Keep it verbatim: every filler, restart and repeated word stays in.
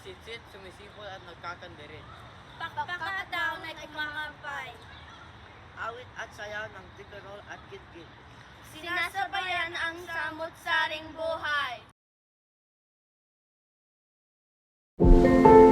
Sumisisit, sumisipol at nagkakandirin. Pakpaka daw na kumakampay. Awit at sayaw ng tikarol at kitkit. Sinasabayan ang samot-saring buhay.